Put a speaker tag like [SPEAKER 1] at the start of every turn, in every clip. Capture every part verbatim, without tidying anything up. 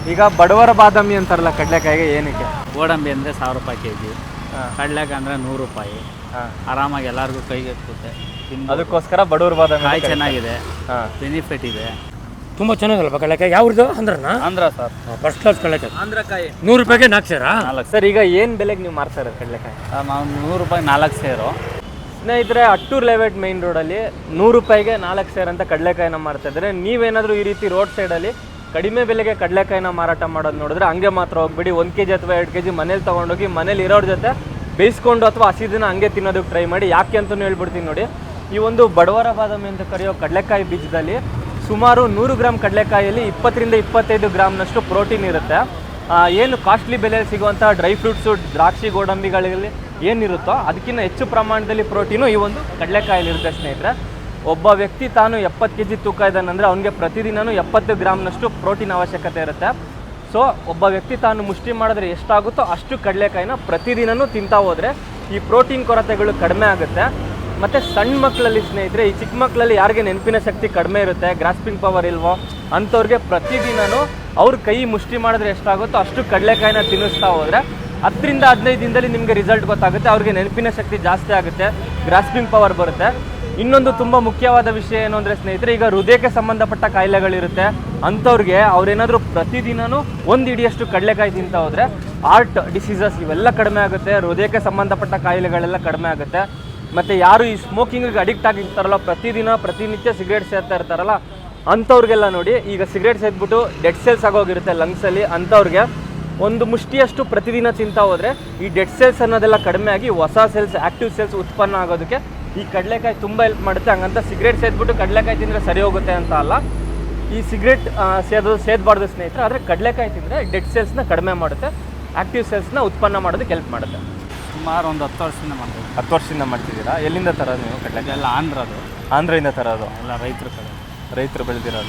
[SPEAKER 1] ಈಗ ಬಡವರ ಬಾದಾಮಿ ಅಂತಾರಲ್ಲ ಕಡಲೆಕಾಯಿಗೆ ಏನಕ್ಕೆ?
[SPEAKER 2] ಗೋಡಂಬಿ ಅಂದರೆ ಸಾವಿರ ರೂಪಾಯಿ ಕೆ ಜಿ, ಕಡಲೆಕಾಯಿ ಅಂದರೆ ನೂರು ರೂಪಾಯಿ. ಆರಾಮಾಗಿ ಎಲ್ಲರಿಗೂ ಕೈಗೆ ಎತ್ತುತ್ತೆ.
[SPEAKER 1] ಅದಕ್ಕೋಸ್ಕರ ಬಡವರ ಬಾದಾಮಿ.
[SPEAKER 2] ಕಾಯಿ ಚೆನ್ನಾಗಿದೆ, ಬೆನಿಫಿಟ್ ಇದೆ,
[SPEAKER 3] ತುಂಬ ಚೆನ್ನಾಗಲ್ವಾ ಕಡಲೆಕಾಯಿ? ಯಾವ್ದು ಅಂದ್ರನ?
[SPEAKER 2] ಆಂಧ್ರ ಸರ್,
[SPEAKER 3] ಫಸ್ಟ್ ಕ್ಲಾಸ್ ಕಡಲೆಕಾಯಿ.
[SPEAKER 2] ಆಂಧ್ರಕಾಯಿ
[SPEAKER 3] ನೂರು ರೂಪಾಯಿಗೆ ನಾಲ್ಕು ಸೇರಾ?
[SPEAKER 2] ನಾಲ್ಕು
[SPEAKER 1] ಸರ್. ಈಗ ಏನು ಬೆಲೆಗೆ ನೀವು ಮಾರ್ತಾ ಇರೋದು ಕಡಲೆಕಾಯಿ?
[SPEAKER 2] ನಾವು ನೂರು ರೂಪಾಯಿ ನಾಲ್ಕು ಸೇರು.
[SPEAKER 1] ಸ್ನೇಹಿತರೆ, ಅಟ್ಟೂರ್ ಲೆವೆಟ್ ಮೈನ್ ರೋಡಲ್ಲಿ ನೂರು ರೂಪಾಯಿಗೆ ನಾಲ್ಕು ಸೇರ್ ಅಂತ ಕಡಲೆಕಾಯಿನ ಮಾರ್ತಾ ಇದ್ದಾರೆ. ನೀವೇನಾದರೂ ಈ ರೀತಿ ರೋಡ್ ಸೈಡಲ್ಲಿ ಕಡಿಮೆ ಬೆಲೆಗೆ ಕಡಲೆಕಾಯಿನ ಮಾರಾಟ ಮಾಡೋದು ನೋಡಿದ್ರೆ ಹಂಗೆ ಮಾತ್ರ ಹೋಗ್ಬಿಡಿ. ಒಂದು ಕೆ ಜಿ ಅಥವಾ ಎರಡು ಕೆ ಜಿ ಮನೇಲಿ ತೊಗೊಂಡೋಗಿ ಮನೇಲಿ ಇರೋರ ಜೊತೆ ಬೇಯಿಸ್ಕೊಂಡು ಅಥವಾ ಹಸಿದಿನ ಹಂಗೆ ತಿನ್ನೋದಕ್ಕೆ ಟ್ರೈ ಮಾಡಿ. ಯಾಕೆ ಅಂತಲೂ ಹೇಳ್ಬಿಡ್ತೀನಿ ನೋಡಿ. ಈ ಒಂದು ಬಡವರ ಬಾದಾಮಿ ಅಂತ ಕರೆಯೋ ಕಡಲೆಕಾಯಿ ಬೀಜದಲ್ಲಿ ಸುಮಾರು ನೂರು ಗ್ರಾಮ್ ಕಡಲೆಕಾಯಿಯಲ್ಲಿ ಇಪ್ಪತ್ತರಿಂದ ಇಪ್ಪತ್ತೈದು ಗ್ರಾಮ್ನಷ್ಟು ಪ್ರೋಟೀನ್ ಇರುತ್ತೆ. ಏನು ಕಾಸ್ಟ್ಲಿ ಬೆಲೆಯಲ್ಲಿ ಸಿಗುವಂಥ ಡ್ರೈ ಫ್ರೂಟ್ಸು, ದ್ರಾಕ್ಷಿ, ಗೋಡಂಬಿಗಳಲ್ಲಿ ಏನಿರುತ್ತೋ ಅದಕ್ಕಿಂತ ಹೆಚ್ಚು ಪ್ರಮಾಣದಲ್ಲಿ ಪ್ರೋಟೀನು ಈ ಒಂದು ಕಡಲೆಕಾಯಲ್ಲಿ ಇರುತ್ತೆ ಸ್ನೇಹಿತರೆ. ಒಬ್ಬ ವ್ಯಕ್ತಿ ತಾನು ಎಪ್ಪತ್ತು ಕೆ ಜಿ ತೂಕ ಇದ್ದಾನಂದರೆ ಅವನಿಗೆ ಪ್ರತಿದಿನವೂ ಎಪ್ಪತ್ತು ಗ್ರಾಮ್ನಷ್ಟು ಪ್ರೋಟೀನ್ ಅವಶ್ಯಕತೆ ಇರುತ್ತೆ. ಸೊ ಒಬ್ಬ ವ್ಯಕ್ತಿ ತಾನು ಮುಷ್ಟಿ ಮಾಡಿದ್ರೆ ಎಷ್ಟಾಗುತ್ತೋ ಅಷ್ಟು ಕಡಲೆಕಾಯಿನ ಪ್ರತಿದಿನವೂ ತಿಂತಾ ಹೋದರೆ ಈ ಪ್ರೋಟೀನ್ ಕೊರತೆಗಳು ಕಡಿಮೆ ಆಗುತ್ತೆ. ಮತ್ತು ಸಣ್ಣ ಮಕ್ಕಳಲ್ಲಿ ಸ್ನೇಹಿತರೆ, ಈ ಚಿಕ್ಕ ಮಕ್ಕಳಲ್ಲಿ ಯಾರಿಗೆ ನೆನಪಿನ ಶಕ್ತಿ ಕಡಿಮೆ ಇರುತ್ತೆ, ಗ್ರಾಸ್ಪಿಂಗ್ ಪವರ್ ಇಲ್ವೋ ಅಂಥವ್ರಿಗೆ ಪ್ರತಿದಿನವೂ ಅವ್ರ ಕೈ ಮುಷ್ಟಿ ಮಾಡಿದ್ರೆ ಎಷ್ಟಾಗುತ್ತೋ ಅಷ್ಟು ಕಡಲೆಕಾಯಿನ ತಿನ್ನಿಸ್ತಾ ಹೋದರೆ ಹತ್ತರಿಂದ ಹದಿನೈದು ದಿನದಲ್ಲಿ ನಿಮಗೆ ರಿಸಲ್ಟ್ ಗೊತ್ತಾಗುತ್ತೆ. ಅವ್ರಿಗೆ ನೆನಪಿನ ಶಕ್ತಿ ಜಾಸ್ತಿ ಆಗುತ್ತೆ, ಗ್ರಾಸ್ಪಿಂಗ್ ಪವರ್ ಬರುತ್ತೆ. ಇನ್ನೊಂದು ತುಂಬ ಮುಖ್ಯವಾದ ವಿಷಯ ಏನು ಅಂದರೆ ಸ್ನೇಹಿತರೆ, ಈಗ ಹೃದಯಕ್ಕೆ ಸಂಬಂಧಪಟ್ಟ ಕಾಯಿಲೆಗಳಿರುತ್ತೆ ಅಂಥವ್ರಿಗೆ ಅವ್ರೇನಾದರೂ ಪ್ರತಿದಿನವೂ ಒಂದು ಇಡಿಯಷ್ಟು ಕಡಲೆಕಾಯಿ ತಿಂತ ಹೋದರೆ ಹಾರ್ಟ್ ಡಿಸೀಸಸ್ ಇವೆಲ್ಲ ಕಡಿಮೆ ಆಗುತ್ತೆ, ಹೃದಯಕ್ಕೆ ಸಂಬಂಧಪಟ್ಟ ಕಾಯಿಲೆಗಳೆಲ್ಲ ಕಡಿಮೆ ಆಗುತ್ತೆ. ಮತ್ತು ಯಾರು ಈ ಸ್ಮೋಕಿಂಗಿಗೆ ಅಡಿಕ್ಟ್ ಆಗಿರ್ತಾರಲ್ಲ, ಪ್ರತಿದಿನ ಪ್ರತಿನಿತ್ಯ ಸಿಗರೇಟ್ ಸೇರ್ತಾ ಇರ್ತಾರಲ್ಲ ಅಂಥವ್ರಿಗೆಲ್ಲ ನೋಡಿ, ಈಗ ಸಿಗರೇಟ್ ಸೇದ್ಬಿಟ್ಟು ಡೆಡ್ ಸೆಲ್ಸ್ ಆಗೋಗಿರುತ್ತೆ ಲಂಗ್ಸಲ್ಲಿ. ಅಂಥವ್ರಿಗೆ ಒಂದು ಮುಷ್ಟಿಯಷ್ಟು ಪ್ರತಿದಿನ ತಿಂತಾ ಹೋದರೆ ಈ ಡೆಡ್ ಸೆಲ್ಸ್ ಅನ್ನೋದೆಲ್ಲ ಕಡಿಮೆ ಆಗಿ ಹೊಸ ಸೆಲ್ಸ್, ಆ್ಯಕ್ಟಿವ್ ಸೆಲ್ಸ್ ಉತ್ಪನ್ನ ಆಗೋದಕ್ಕೆ ಈ ಕಡಲೆಕಾಯಿ ತುಂಬ ಹೆಲ್ಪ್ ಮಾಡುತ್ತೆ. ಹಂಗಂತ ಸಿಗರೇಟ್ ಸೇದ್ಬಿಟ್ಟು ಕಡಲೆಕಾಯಿ ತಿಂದರೆ ಸರಿ ಹೋಗುತ್ತೆ ಅಂತ ಅಲ್ಲ. ಈ ಸಿಗರೇಟ್ ಸೇದೋದು ಸೇದಬಾರ್ದು ಸ್ನೇಹಿತರೆ. ಆದರೆ ಕಡಲೆಕಾಯಿ ತಿಂದರೆ ಡೆಡ್ ಸೆಲ್ಸ್ನ ಕಡಿಮೆ ಮಾಡುತ್ತೆ, ಆ್ಯಕ್ಟಿವ್ ಸೆಲ್ಸ್ನ ಉತ್ಪನ್ನ ಮಾಡೋದಕ್ಕೆ ಹೆಲ್ಪ್ ಮಾಡುತ್ತೆ.
[SPEAKER 2] ಸುಮಾರು ಒಂದು ಹತ್ತು ವರ್ಷದಿಂದ ಮಾಡ್ತೀವಿ.
[SPEAKER 1] ಹತ್ತು ವರ್ಷದಿಂದ ಮಾಡ್ತಿದ್ದೀರಾ? ಎಲ್ಲಿಂದ ತರೋದು ನೀವು ಕಡಲೆಕಾಯಿ?
[SPEAKER 2] ಎಲ್ಲ ಆಂಧ್ರದು.
[SPEAKER 1] ಆಂಧ್ರದಿಂದ ತರೋದು?
[SPEAKER 2] ಎಲ್ಲ ರೈತರ ಕಡೆ,
[SPEAKER 1] ರೈತರು ಬೆಳೆದಿರೋದು.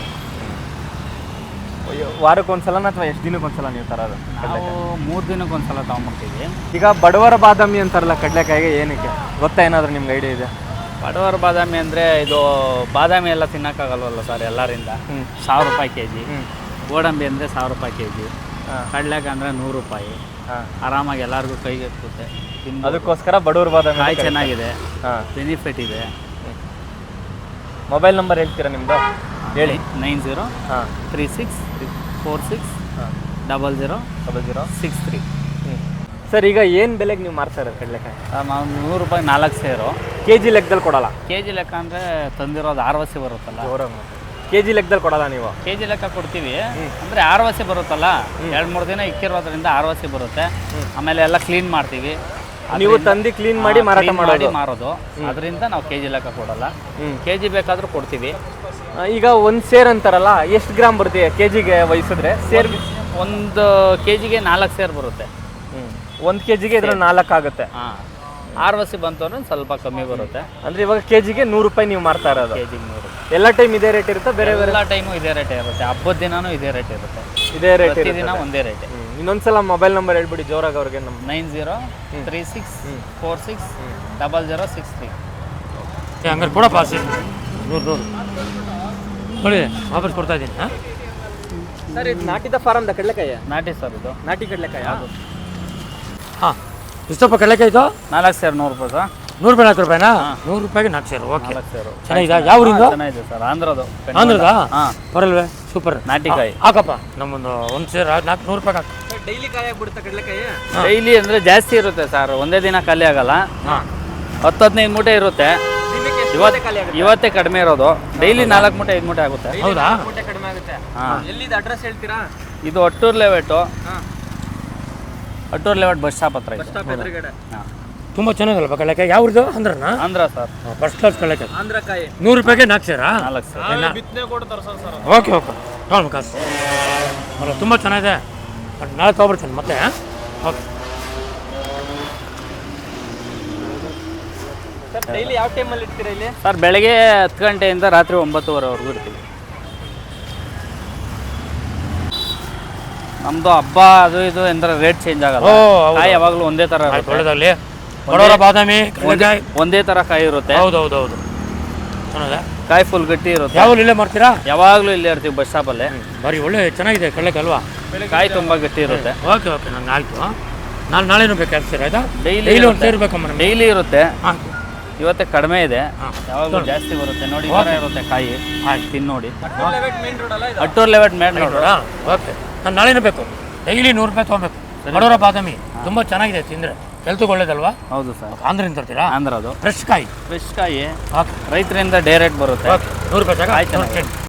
[SPEAKER 1] ವಾರಕ್ಕೊಂದ್ಸಲನ ಅಥವಾ ಎಷ್ಟು ದಿನಕ್ಕೊಂದ್ಸಲ ನೀವು ತರೋದು?
[SPEAKER 2] ನಾವು ಮೂರು ದಿನಕ್ಕೊಂದ್ಸಲ ತೊಗೊಂಬರ್ತೀವಿ.
[SPEAKER 1] ಈಗ ಬಡವರ ಬಾದಾಮಿ ಅಂತಾರಲ್ಲ ಕಡಲೆಕಾಯಿಗೆ ಏನಕ್ಕೆ ಗೊತ್ತಾ? ಏನಾದರೂ ನಿಮ್ಗೆ ಐಡಿಯಾ ಇದೆ?
[SPEAKER 2] ಬಡವರ ಬಾದಾಮಿ ಅಂದರೆ ಇದು ಬಾದಾಮಿ ಎಲ್ಲ ತಿನ್ನೋಕ್ಕಾಗಲ್ವಲ್ಲ ಸರ್ ಎಲ್ಲರಿಂದ. ಸಾವಿರ ರೂಪಾಯಿ ಕೆ ಜಿ. ಗೋಡಂಬಿ ಅಂದರೆ ಸಾವಿರ ರೂಪಾಯಿ ಕೆ ಜಿ. ಕಡಲೆಕಾಯಿ ಅಂದರೆ ನೂರು ರೂಪಾಯಿ. ಆರಾಮಾಗಿ ಎಲ್ಲರಿಗೂ ಕೈಗೆ ಎತ್ತುತ್ತೆ.
[SPEAKER 1] ಅದಕ್ಕೋಸ್ಕರ ಬಡವರ ಬಾದಾಮಿ.
[SPEAKER 2] ಕಾಯಿ ಚೆನ್ನಾಗಿದೆ, ಬೆನಿಫಿಟ್ ಇದೆ.
[SPEAKER 1] ಮೊಬೈಲ್ ನಂಬರ್ ಹೇಳ್ತೀರಾ ನಿಮ್ಮದು? ಹೇಳಿ.
[SPEAKER 2] ನೈನ್ ಜೀರೋ
[SPEAKER 1] ಹಾಂ
[SPEAKER 2] three six four six double zero
[SPEAKER 1] double zero
[SPEAKER 2] six three.
[SPEAKER 1] Sir, ಈಗ ಏನು ಬೆಲೆಗೆ ನೀವು ಮಾರ್ತಾ ಇರೋದು ಕಡಲೆಕಾಯಿ?
[SPEAKER 2] ನಾವು ನೂರು ರೂಪಾಯಿ ನಾಲ್ಕು ಸೇರು.
[SPEAKER 1] ಕೆ ಜಿ ಲೆಕ್ಕದಲ್ಲಿ ಕೊಡಲ್ಲ?
[SPEAKER 2] ಕೆ ಜಿ ಲೆಕ್ಕ ಅಂದರೆ ತಂದಿರೋದು ಆರು ವಸಿ ಬರುತ್ತಲ್ಲ.
[SPEAKER 1] ಕೆ ಜಿ ಲೆಕ್ಕದಲ್ಲಿ ಕೊಡಲ್ಲ ನೀವು?
[SPEAKER 2] ಕೆ ಜಿ ಲೆಕ್ಕ ಕೊಡ್ತೀವಿ. ಅಂದರೆ ಆರು ವಸಿ ಬರುತ್ತಲ್ಲ, ಎರಡು ಮೂರು ದಿನ ಇಕ್ಕಿರೋದ್ರಿಂದ ಆರು ವಸಿ ಬರುತ್ತೆ. ಆಮೇಲೆ ಎಲ್ಲ ಕ್ಲೀನ್ ಮಾಡ್ತೀವಿ.
[SPEAKER 1] ನೀವು ತಂದು ಕ್ಲೀನ್ ಮಾಡಿ ಮಾರಾಟ ಮಾಡಿ
[SPEAKER 2] ಮಾರೋದು. ಅದರಿಂದ ನಾವು ಕೆ ಜಿ ಲೆಕ್ಕ ಕೊಡಲ್ಲ. ಕೆ ಜಿ ಬೇಕಾದರೂ ಕೊಡ್ತೀವಿ.
[SPEAKER 1] ಈಗ ಒಂದು ಸೇರ್ ಅಂತಾರಲ್ಲ, ಎಷ್ಟು ಗ್ರಾಮ್ ಬರುತ್ತೆ ಕೆ ಜಿಗೆ ವಹಿಸಿದ್ರೆ? ಸೇರ್
[SPEAKER 2] ಒಂದು ಕೆ ಜಿಗೆ ನಾಲ್ಕು ಸೇರ್ ಬರುತ್ತೆ.
[SPEAKER 1] ಒಂದು ಕೆ ಜಿಗೆ ಇದ್ರ ನಾಲ್ಕು ಆಗುತ್ತೆ.
[SPEAKER 2] ಹಾಂ, ಆರು ವಸಿ ಬಂತು ಅಂದ್ರೆ ಸ್ವಲ್ಪ ಕಮ್ಮಿ ಬರುತ್ತೆ.
[SPEAKER 1] ಅಂದರೆ ಇವಾಗ ಕೆ ಜಿಗೆ ನೂರು ರೂಪಾಯಿ ನೀವು ಮಾರ್ತಾ ಇರೋದು?
[SPEAKER 2] ಕೆ ಜಿಗೆ ನೂರು.
[SPEAKER 1] ಎಲ್ಲ ಟೈಮ್ ಇದೇ ರೇಟ್ ಇರುತ್ತೆ? ಬೇರೆ ಬೇರೆ
[SPEAKER 2] ಎಲ್ಲ ಟೈಮು ಇದೇ ರೇಟ್ ಇರುತ್ತೆ. ಹಬ್ಬದ ದಿನನೂ ಇದೇ ರೇಟ್ ಇರುತ್ತೆ.
[SPEAKER 1] ಇದೇ ರೇಟ್
[SPEAKER 2] ದಿನ ಒಂದೇ ರೇಟ್.
[SPEAKER 1] ಇನ್ನೊಂದ್ಸಲ ಮೊಬೈಲ್ ನಂಬರ್ ಹೇಳ್ಬಿಡಿ ಜೋರಾಗಿ ಅವ್ರಿಗೆ. ನಮ್ಮ
[SPEAKER 2] nine zero three six four six double zero six three.
[SPEAKER 3] ಹಂಗಾರೆ ಕೂಡ ಪಾಸ್ ನೂರು ನೂರು ನೋಡಿ ವಾಪಸ್ ಕೊಡ್ತಾ ಇದ್ದೀನಿ. ಹಾಂ
[SPEAKER 1] ಸರ್, ಇದು ನಾಟಿದ ಫಾರಮ್ದ ಕಡಲೆಕಾಯಿ?
[SPEAKER 2] ನಾಟಿ ಸರ್, ಇದು
[SPEAKER 1] ನಾಟಿ ಕಡಲೆಕಾಯಿ. ಅದು
[SPEAKER 3] ಹಾಂ, ಎಷ್ಟಪ್ಪ ಕಡಲೆಕಾಯಿ ಇದು?
[SPEAKER 2] ನಾಲ್ಕು ಸೇರು ನೂರು ರೂಪಾಯಿ ಸರ್.
[SPEAKER 3] ನೂರು ರೂಪಾಯಿ ನಾಲ್ಕು ರೂಪಾಯಿನಾ? ನೂರು ರೂಪಾಯಿಗೆ ನಾಲ್ಕು ಸೇರು. ಓಕೆ,
[SPEAKER 2] ನಾಲ್ಕು ಸೇರು
[SPEAKER 3] ಚೆನ್ನಾಗಿದೆ. ಯಾವ ಊರಿಂದ?
[SPEAKER 2] ಚೆನ್ನಾಗಿದೆ ಸರ್, ಆಂಧ್ರದು.
[SPEAKER 3] ಆಂಧ್ರದಾ?
[SPEAKER 2] ಹಾಂ,
[SPEAKER 3] ಬರಲ್ವೇ? ಸೂಪರ್.
[SPEAKER 2] ನಾಟಿಕಾಯಿ
[SPEAKER 3] ಹಾಕಪ್ಪ. ನಮ್ಮೊಂದು ಒಂದು ಸೇರು ನಾಲ್ಕು ನೂರು ರೂಪಾಯಿ ಹಾಕಿ.
[SPEAKER 1] ಡೈಲಿ ಕಾಯಿ ಆಗ್ಬಿಡುತ್ತೆ ಕಡಲೆಕಾಯಿ?
[SPEAKER 2] ಡೈಲಿ ಅಂದರೆ ಜಾಸ್ತಿ ಇರುತ್ತೆ ಸರ್, ಒಂದೇ ದಿನ ಖಾಲಿ ಆಗಲ್ಲ.
[SPEAKER 3] ಹಾಂ,
[SPEAKER 2] ಹತ್ತು ಹದಿನೈದು ಮೂಟೆ ಇರುತ್ತೆ. ಇವತ್ತೇ ಕಡಿಮೆ ಇರೋದು. ಡೈಲಿ ನಾಲ್ಕು ಮೂಟೆ ಐದು ಮೂಟೆ ಆಗುತ್ತೆ.
[SPEAKER 3] ಹೌದಾ?
[SPEAKER 1] ಕಡಿಮೆ ಆಗುತ್ತೆ.
[SPEAKER 2] ಹಾಂ.
[SPEAKER 1] ಎಲ್ಲಿದೆ ಅಡ್ರೆಸ್ ಹೇಳ್ತೀರಾ?
[SPEAKER 2] ಇದು ಅಟ್ಟೂರ್ ಲೆವೆಟು. ಅಟ್ಟೂರ್ ಲೆವೆಟ್ ಬಸ್ ಸ್ಟಾಪ್ ಹತ್ರ ಇದೆ. ಹಾಂ,
[SPEAKER 3] ತುಂಬ ಚೆನ್ನಾಗಲ್ವ ಕಡಲೆಕಾಯಿ? ಯಾವ್ದು ಅಂದ್ರನ?
[SPEAKER 2] ಆಂಧ್ರ ಸರ್,
[SPEAKER 3] ಫಸ್ಟ್ ಕ್ಲಾಸ್ ಕಡಲೆಕಾಯಿ.
[SPEAKER 1] ಆಂಧ್ರಕಾಯಿ
[SPEAKER 3] ನೂರು ರೂಪಾಯಿಗೆ ನಾಲ್ಕು ಸೇರಾ?
[SPEAKER 2] ನಾಲ್ಕು ಸರ್.
[SPEAKER 3] ಓಕೆ ಓಕೆ, ತೊಗೊಂಡು ಕಾಸು ಅಲ್ಲ, ತುಂಬ ಚೆನ್ನಾಗಿದೆ. ನಾಳೆ ತೊಗೊಬರ್ತೀನಿ ಮತ್ತೆ. ಓಕೆ
[SPEAKER 1] ಸರ್, ಡೈಲಿ ಯಾವ ಟೈಮಲ್ಲಿ ಇರ್ತೀರಾ ಇಲ್ಲಿ?
[SPEAKER 2] ಸರ್, ಬೆಳಗ್ಗೆ ಹತ್ತು ಗಂಟೆಯಿಂದ ರಾತ್ರಿ ಒಂಬತ್ತುವರೆವರೆಗೂ ಇರ್ತೀವಿ. ನಮ್ಮದು ಹಬ್ಬ ಅದು ಇದು ಅಂದರೆ ರೇಟ್ ಚೇಂಜ್ ಆಗಲ್ಲ. ಕಾಯಿ ಯಾವಾಗಲೂ ಒಂದೇ ಥರ ಇರುತ್ತೆ.
[SPEAKER 3] ಒಳ್ಳೆದಾಗಲಿ. ಬಡವರ ಬಾದಾಮಿ ಕಡಲೆಕಾಯಿ
[SPEAKER 2] ಒಂದೇ ಥರ ಕಾಯಿ ಇರುತ್ತೆ.
[SPEAKER 3] ಹೌದು ಹೌದು ಹೌದು, ಚೆನ್ನಾಗಿದೆ.
[SPEAKER 2] ಕಾಯಿ ಫುಲ್ ಗಟ್ಟಿ ಇರುತ್ತೆ.
[SPEAKER 3] ಯಾವಾಗಲೂ ಇಲ್ಲೇ ಮಾಡ್ತೀರಾ?
[SPEAKER 2] ಯಾವಾಗಲೂ ಇಲ್ಲೇ ಇರ್ತೀವಿ ಬಸ್ ಸ್ಟಾಪಲ್ಲೇ.
[SPEAKER 3] ಬರೀ ಒಳ್ಳೆ ಚೆನ್ನಾಗಿದೆ ಕಡಲೆಕಾಯಿ ಅಲ್ವಾ?
[SPEAKER 2] ಕಾಯಿ ತುಂಬ ಗಟ್ಟಿ ಇರುತ್ತೆ.
[SPEAKER 3] ಓಕೆ ಓಕೆ ನಂಗೆ ಆಯಿತು. ನಾನು ನಾಳೆನೂ ಬೇಕು ಸರ್ ಆಯಿತಾ?
[SPEAKER 2] ಡೈಲಿ
[SPEAKER 3] ಡೈಲಿ ಒಂದು ಸೇರ್ಬೇಕಮ್ಮ ನಮಗೆ.
[SPEAKER 2] ಡೈಲಿ ಇರುತ್ತೆ.
[SPEAKER 3] ಹಾಂ
[SPEAKER 2] ಇವತ್ತೇ ಕಡಿಮೆ ಇದೆ,
[SPEAKER 3] ಹಾಂ.
[SPEAKER 2] ಯಾವಾಗಲೂ ಜಾಸ್ತಿ ಬರುತ್ತೆ ನೋಡಿ. ಈ ಥರ ಇರುತ್ತೆ ಕಾಯಿ.
[SPEAKER 3] ಆಯ್ತು.
[SPEAKER 2] ತಿನ್ನು ನೋಡಿ.
[SPEAKER 1] ಮೇನ್ ರೋಡ್ ಅಲ್ಲ ಇದು?
[SPEAKER 2] Attur layout main road.
[SPEAKER 3] Okay ನಾನು ನಾಳೆನೂ ಬೇಕು. ಡೈಲಿ ನೂರು ರೂಪಾಯಿ ತೊಗೊಬೇಕು. ಬಡವರ ಬಾದಾಮಿ ತುಂಬ ಚೆನ್ನಾಗಿದೆ ತಿಂದರೆ, ಹೆಲ್ತ್ಗೆ ಒಳ್ಳೇದಲ್ವಾ?
[SPEAKER 2] ಹೌದು ಸರ್.
[SPEAKER 3] ಆಂಧ್ರದಿಂದ ತರ್ತೀರಾ?
[SPEAKER 2] ಆಂಧ್ರದು
[SPEAKER 3] ಫ್ರೆಶ್ ಕಾಯಿ.
[SPEAKER 2] ಫ್ರೆಶ್ ಕಾಯಿ
[SPEAKER 3] ಓಕೆ
[SPEAKER 2] ರೈತರಿಂದ ಡೈರೆಕ್ಟ್ ಬರುತ್ತೆ.
[SPEAKER 3] ಓಕೆ ನೂರು ರೂಪಾಯಿ ಸಾಕು.
[SPEAKER 2] ಆಯ್ತು.
[SPEAKER 3] ಆಯ್ತು.